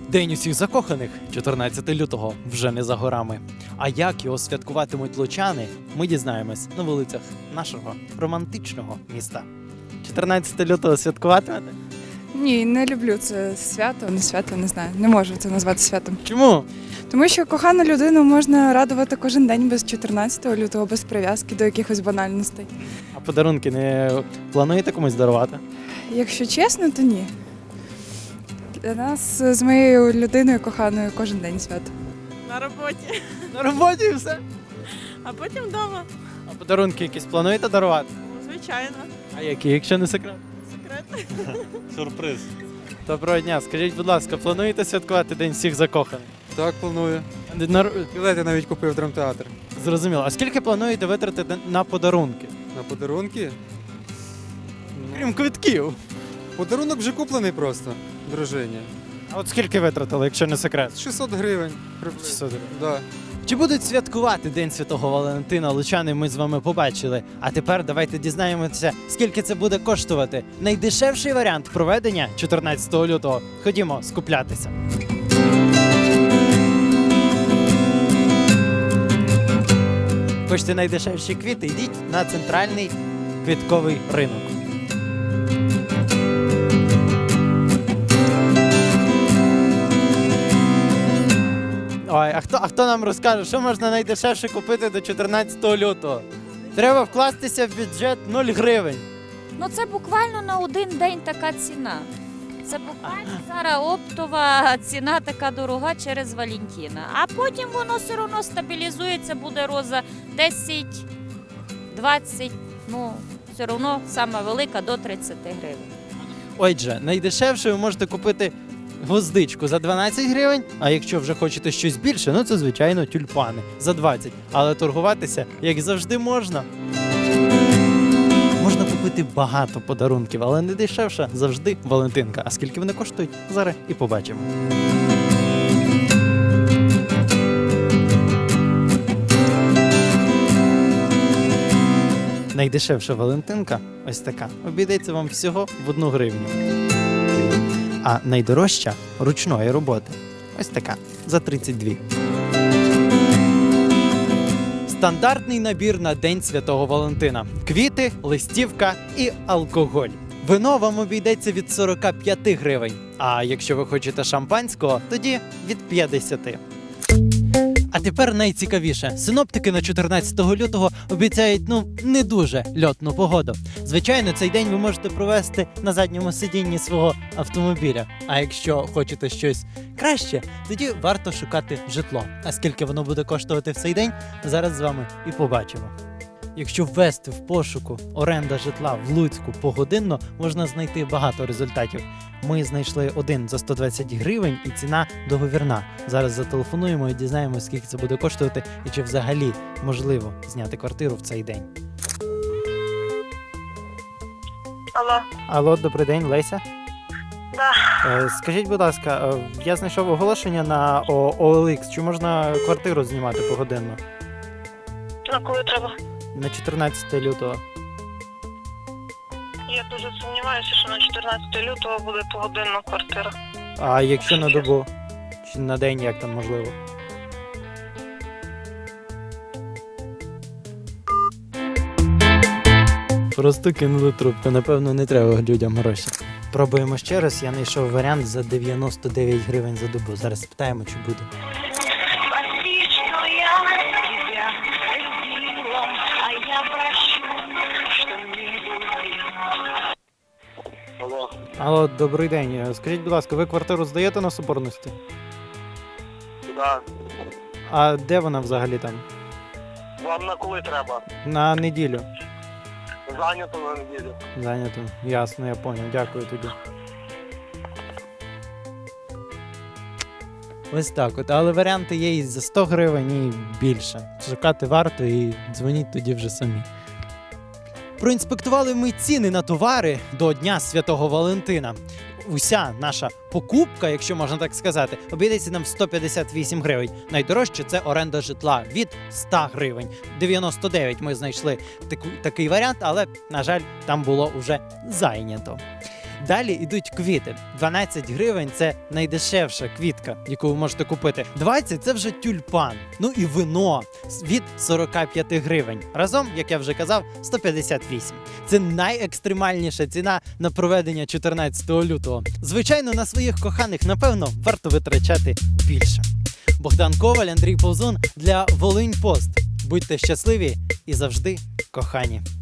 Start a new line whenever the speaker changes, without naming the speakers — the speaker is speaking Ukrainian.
День усіх закоханих, 14 лютого, вже не за горами. А як його святкуватимуть лучани, ми дізнаємось на вулицях нашого романтичного міста. 14 лютого святкуватимете?
Ні, не люблю це свято, не знаю. Не можу це назвати святом.
Чому?
Тому що кохану людину можна радувати кожен день без 14 лютого, без прив'язки до якихось банальностей.
А подарунки не плануєте комусь дарувати?
Якщо чесно, то ні. Для нас з моєю людиною коханою кожен день свято.
На роботі,
На роботі і все.
а потім вдома.
А подарунки якісь плануєте дарувати?
Звичайно.
А які, якщо не секрет?
Секрет.
Сюрприз.
Доброго дня. Скажіть, будь ласка, плануєте святкувати День всіх закоханих?
Так, планую. Білети навіть купив в драмтеатр.
Зрозуміло. А скільки плануєте витратити на подарунки?
На подарунки?
Крім квитків.
Подарунок вже куплений просто дружині.
А от скільки витратили, якщо не секрет?
600 гривень. приблизно.
600 гривень.
Да.
Чи будуть святкувати День Святого Валентина лучани, ми з вами побачили. А тепер давайте дізнаємося, скільки це буде коштувати. Найдешевший варіант проведення 14 лютого. Ходімо скуплятися. Хочете найдешевші квіти? Йдіть на центральний квітковий ринок. Ой, а хто нам розкаже, що можна найдешевше купити до 14 лютого? Треба вкластися в бюджет 0 гривень.
Ну це буквально на один день така ціна. Це буквально зараз оптова ціна така дорога через Валентина. А потім воно все одно стабілізується, буде роза 10, 20, ну все одно сама велика до 30 гривень.
Отже, найдешевше ви можете купити гвоздичку за 12 гривень, а якщо вже хочете щось більше, ну це, звичайно, тюльпани за 20. Але торгуватися, як завжди, можна. Можна купити багато подарунків, але не дешевше завжди Валентинка. А скільки вони коштують, зараз і побачимо. Найдешевша Валентинка, ось така, обійдеться вам всього в 1 гривню. А найдорожча ручної роботи, ось така, за 32. Стандартний набір на День Святого Валентина. Квіти, листівка і алкоголь. Вино вам обійдеться від 45 гривень. А якщо ви хочете шампанського, тоді від 50. А тепер найцікавіше. Синоптики на 14 лютого обіцяють, не дуже льотну погоду. Звичайно, цей день ви можете провести на задньому сидінні свого автомобіля. А якщо хочете щось краще, тоді варто шукати житло. А скільки воно буде коштувати в цей день, зараз з вами і побачимо. Якщо ввести в пошуку оренда житла в Луцьку погодинно, можна знайти багато результатів. Ми знайшли один за 120 гривень і ціна договірна. Зараз зателефонуємо і дізнаємося, скільки це буде коштувати і чи взагалі можливо зняти квартиру в цей день.
Алло.
Алло, добрий день, Леся.
Да.
Скажіть, будь ласка, я знайшов оголошення на OLX, чи можна квартиру знімати погодинно?
На коли треба?
На 14 лютого.
Я дуже сумніваюся, що на 14 лютого буде погодинна квартира.
А якщо на добу? Чи на день, як там можливо? Просто кинули трубку, напевно, не треба людям гроші. Пробуємо ще раз, я знайшов варіант за 99 гривень за добу. Зараз спитаємо, чи буде.
Алло.
Алло, добрий день. Скажіть, будь ласка, ви квартиру здаєте на Соборності?
Да.
А де вона взагалі там?
Вам на коли треба?
На неділю.
Зайнято на неділю.
Зайнято. Ясно, я поняв. Дякую тобі. Ось так от. Але варіанти є і за 100 гривень, і більше. Шукати варто і дзвоніть тоді вже самі. Проінспектували ми ціни на товари до Дня Святого Валентина. Уся наша покупка, якщо можна так сказати, обійдеться нам в 158 гривень. Найдорожче – це оренда житла від 100 гривень. 99 ми знайшли такий варіант, але, на жаль, там було вже зайнято. Далі йдуть квіти. 12 гривень це найдешевша квітка, яку ви можете купити. 20 це вже тюльпан. Ну і вино від 45 гривень. Разом, як я вже казав, 158. Це найекстремальніша ціна на проведення 14 лютого. Звичайно, на своїх коханих, напевно, варто витрачати більше. Богдан Коваль, Андрій Повзун для Волинь Пост. Будьте щасливі і завжди кохані.